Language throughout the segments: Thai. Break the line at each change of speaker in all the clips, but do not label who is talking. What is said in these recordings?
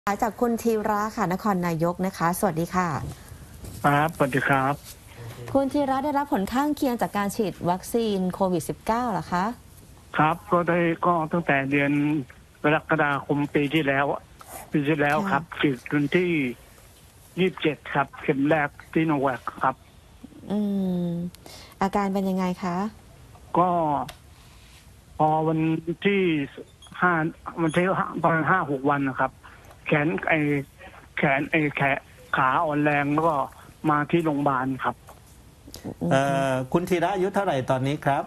จากคุณธีระค่ะนครนายกนะคะสวัสดีค่ะ
ครับสวัสดีครับ
คุณธีระได้รับผลข้างเคียงจากการฉีดวัคซีนโควิด -19 เหรอคะ
ครับก็ตั้งแต่เดือนกรกฎาคมปีที่แล้วครับฉีดวันที่27ครับเข็มแรกที่โนแวคครับ
อืมอาการเป็นยังไงคะ
ก็พอวันที่ห้าวันที่ประมาณ5-6 วันนะครับแขนขาอ่อนแรงแล้วก็มาที่โรงพยาบาลครับ
คุณธีระอายุเท่าไหร่ตอนนี้ครับ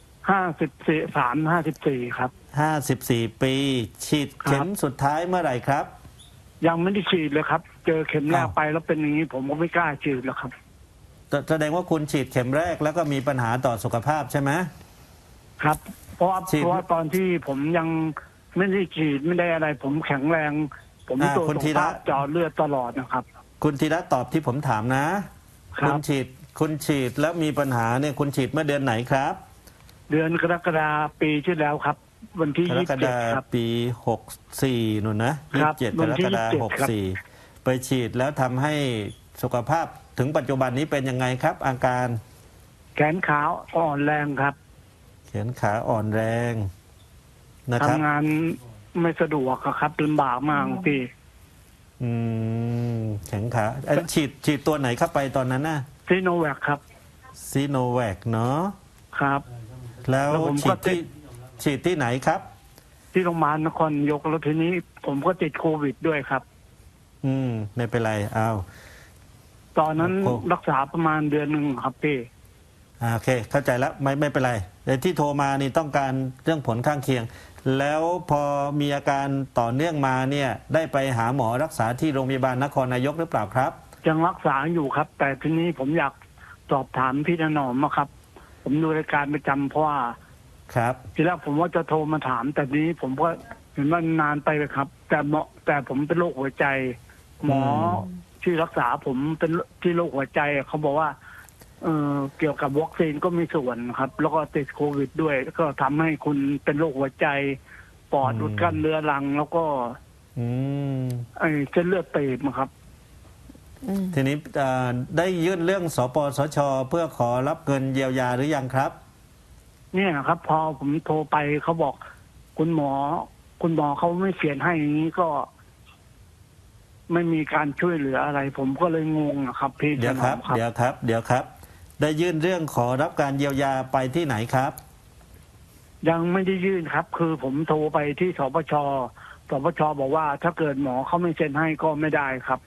54ครับ
54 ปีฉีดเข็มสุดท้ายเมื่อไหร่ครับ
ยังไม่ได้ฉีดเลยครับเจอเข็มแรกไปแล้วเป็นอย่างนี้ผมก็ไม่กล้าฉีดแล้วครับ
แสดงว่าคุณฉีดเข็มแรกแล้วก็มีปัญหาต่อสุขภาพใช่ไหม
ครับเพราะว่าตอนที่ผมยังไม่ได้ฉีดไม่ได้อะไรผมแข็งแรงผมตรวจสุขภาพเจาะเลือดตลอดนะครับ
คุณธีระตอบที่ผมถามนะคุณฉีดแล้วมีปัญหาเนี่ยคุณฉีดเมื่อเดือนไหนครับ
เดือนกรกฎาปีที่แล้วครับวันที่
27ครับปี64นู่นนะ27กรกฎาคม64ไปฉีดแล้วทำให้สุขภาพถึงปัจจุบันนี้เป็นยังไงครับอาการ
แขนขาอ่อนแรงครับ
แขนขาอ่อนแรงนะครับ
ทำงานไม่สะดวกครับลำบากมากพี่
แขนขาฉีดตัวไหนเข้าไปตอนนั้นน่ะ
ซีโนแวคครับ
ซีโนแวคเนาะ
ครับ
แล้วฉีดที่ไหนครับ
ที่โรงพยาบาลนครนายกแล้วทีนี้ผมก็ติดโควิดด้วยครับ
ไม่เป็นไรเอา
ตอนนั้นรักษาประมาณเดือนหนึ่งครับพี่
โอเคเข้าใจแล้วไม่เป็นไรแต่ที่โทรมานี่ต้องการเรื่องผลข้างเคียงแล้วพอมีอาการต่อเนื่องมาเนี่ยได้ไปหาหมอรักษาที่โรงพยาบาลนครนายกหรือเปล่าครับ
ยังรักษาอยู่ครับแต่ทีนี้ผมอยากสอบถามพี่ถนอมครับผมดูรายการประจำเพราะว่า
ครับ
ทีแรกผมว่าจะโทรมาถามแต่นี้ผมก็เห็นว่านานไปเลยครับแต่ผมเป็นโรคหัวใจหมอที่รักษาผมเป็นที่โรคหัวใจเขาบอกว่าเกี่ยวกับวัคซีนก็มีส่วนครับแล้วก็ติดโควิดด้วยก็ทำให้คุณเป็นโรคหัวใจปอดอุดกั้นเรื้อรังแล้วก็เส้นเลือดตีบครับ
ทีนี้ได้ยื่นเรื่องสปสช.เพื่อขอรับเงินเยียวยาหรือยังครับ
เนี่ยครับพอผมโทรไปเขาบอกคุณหมอเขาไม่เขียนให้อย่างนี้ก็ไม่มีการช่วยเหลืออะไรผมก็เลยงงครับพี่
เดี๋ยวครับได้ยื่นเรื่องขอรับการเยียวยาไปที่ไหนครับ
ยังไม่ได้ยื่นครับคือผมโทรไปที่สปช.บอกว่าถ้าเกิดหมอเขาไม่เซ็นให้ก็ไม่ได้ครับ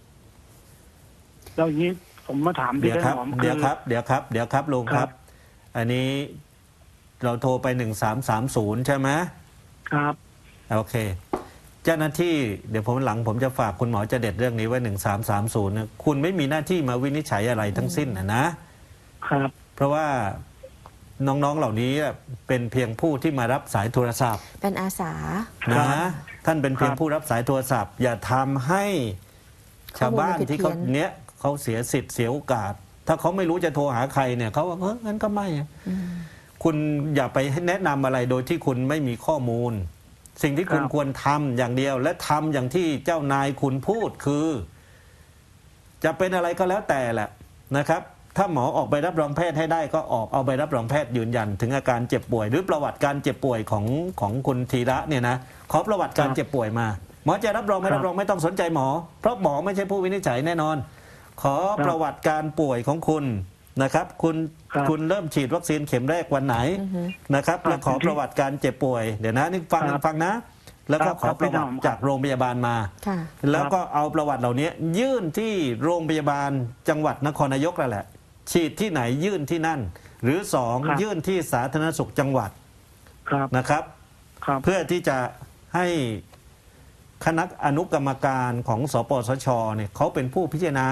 แล้วอย่างนี้ผมมาถามพี่ได้หมอ
เดี๋ยวครับลุงครับอันนี้เราโทรไป1330ใช่ไหม
ครับ
โอเคเจ้าหน้าที่เดี๋ยวผมจะฝากคุณหมอจะเด็ดเรื่องนี้ไว้1330นะคุณไม่มีหน้าที่มาวินิจฉัยอะไรทั้งสิ้น
นะครับ
เพราะว่าน้องๆเหล่านี้เป็นเพียงผู้ที่มารับสายโทรศัพท์
เป็นอาสา
ท่านเป็นเพียงผู้รับสายโทรศัพท์อย่าทำให้ชาวบ้านที่เขาเสียสิทธิ์เสียโอกาสถ้าเขาไม่รู้จะโทรหาใครเนี่ยเขาว่างั้นก็ไม่คุณอย่าไปแนะนำอะไรโดยที่คุณไม่มีข้อมูลสิ่งที่คุณควรทำอย่างเดียวและทำอย่างที่เจ้านายคุณพูดคือจะเป็นอะไรก็แล้วแต่แหละนะครับถ้าหมอออกใบรับรองแพทย์ให้ได้ก็เอาใบรับรองแพทย์ยืนยันถึงอาการเจ็บป่วยหรือประวัติการเจ็บป่วยของคุณธีระเนี่ยนะขอประวัติการเจ็บป่วยมาหมอจะรับรองไม่รับรองไม่ต้องสนใจหมอเพราะหมอไม่ใช่ผู้วินิจฉัยแน่นอนขอประวัติการป่วยของคุณนะครับคุณเริ่มฉีดวัคซีนเข็มแรกวันไหนนะครับแล้วขอประวัติการเจ็บป่วยเดี๋ยวนะนี่ฟังนะแล้วก็ขอประวัติจากโรงพยาบาลมาแล้วก็เอาประวัติเหล่านี้ยื่นที่โรงพยาบาลจังหวัดนครนายกนั่นแหละฉีดที่ไหนยื่นที่นั่นหรือ2ยื่นที่สาธารณสุขจังหวัดนะครับเพื่อที่จะให้คณะอนุกรรมการของสปสช.เนี่ยเขาเป็นผู้พิจารณา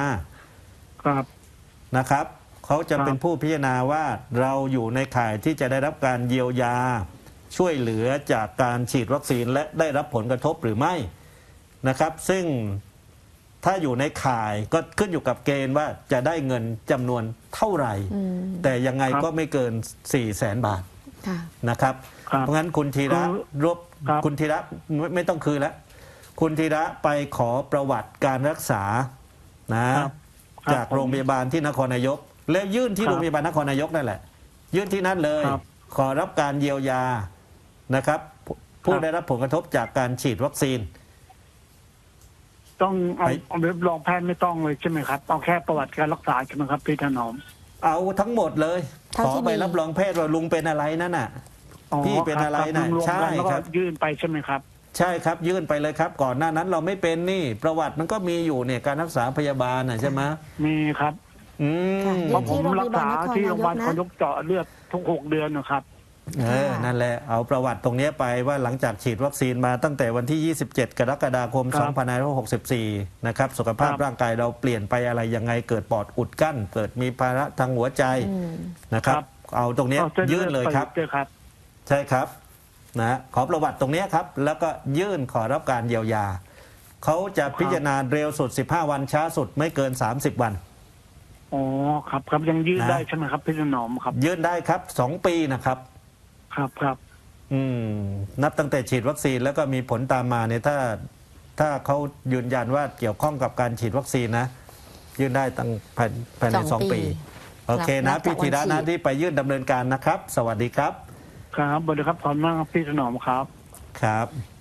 นะครับเขาจะเป็นผู้พิจารณาว่าเราอยู่ในข่ายที่จะได้รับการเยียวยาช่วยเหลือจากการฉีดวัคซีนและได้รับผลกระทบหรือไม่นะครับซึ่งถ้าอยู่ในข่ายก็ขึ้นอยู่กับเกณฑ์ว่าจะได้เงินจำนวนเท่าไหร่แต่ยังไงก็ไม่เกิน 400,000 บาทนะครับเพราะงั้นคุณธีระคุณธีระไม่ต้องคืนแล้วคุณธีระไปขอประวัติการรักษานะครับ จากโรงพยาบาลที่นครนายก แล้วยื่นที่
ครับ
โรงพยาบาลนครนายกนั่นแหละ ยื่นที่นั่นเลย
ครับ
ขอรับการเยียวยานะครับ ผู้
ครับ
ได้รับผลกระทบจากการฉีดวัคซีน
ต้องเอา
ไป
เอารับรองแพทย์ไม่ต้องเลยใช่ไหมครับเอาแค่ประวัติการรักษาใช่ไหมครับพี่ถนอม
เอาทั้งหมดเลย
เท่า
ขอ
ที่
ไป
มี
รับรองแพทย์ว่าลุงเป็นอะไรนั่นน่ะ พี่เป็นอะไร
คบ
น่ะ
รวมๆ
ใช่
กันแล้วก็
ครับ
ยื่นไปใช่ไหมครับ
ใช่ครับยื่นไปเลยครับ ก่อนหน้านั้นเราไม่เป็นนี่ ประวัติมันก็มีอยู่เนี่ยการรักษาพยาบาลน่ะใช่ไหม
มีครับ
อื
ค่ะ
ม
เพราะผมรักษาที่โรงพยาบาล
ที่
เขา
โรงพยาบาลนครนายกนะ
ยกเจาะเลือดทุก6 เดือนนะครับ
นั่นแหละเอาประวัติตรงเนี้ยไปว่าหลังจากฉีดวัคซีนมาตั้งแต่วันที่ 27 กรกฎาคม
ครับ
2564 นะครับสุขภาพ
ครับ
ร่างกายเราเปลี่ยนไปอะไรยังไงเกิดปอดอุดกั้น เกิดมีภาระทางหัวใจ
อืม
นะครับ เอาตรงเนี้ย
เอาเส้
ยื่นเลยครับ
ไปครับ
ใช่ครับนะขอประวัติตรงเนี้ยครับ แล้วก็ยื่นขอรับการเยียวยา เขาจะพิจารณาเร็วสุด 15 วันช้าสุดไม่เกิน 30 วัน
อ๋อครับครับยังยื่น
นะ
ได้ใช่ไหมครับพี่ถนอมครับ
ยื่นได้ครับ 2 ปีนะครับ
ครับครับ
นับตั้งแต่ฉีดวัคซีนแล้วก็มีผลตามมาเนี่ยถ้าเขายืนยันว่าเกี่ยวข้องกับการฉีดวัคซีนนะ ยื่นได้ตั้งภายใน
2
2 ปี โอเค
นั
นะ
บจาก
พี่ธีระ
วันฉี
นะ
ด
ที่ไปยื่นดำเนินการนะครับ สวัสดีครับ
ครับสวัสดีครับขอบคุณมากครับพี่ถนอมครับ
ครับ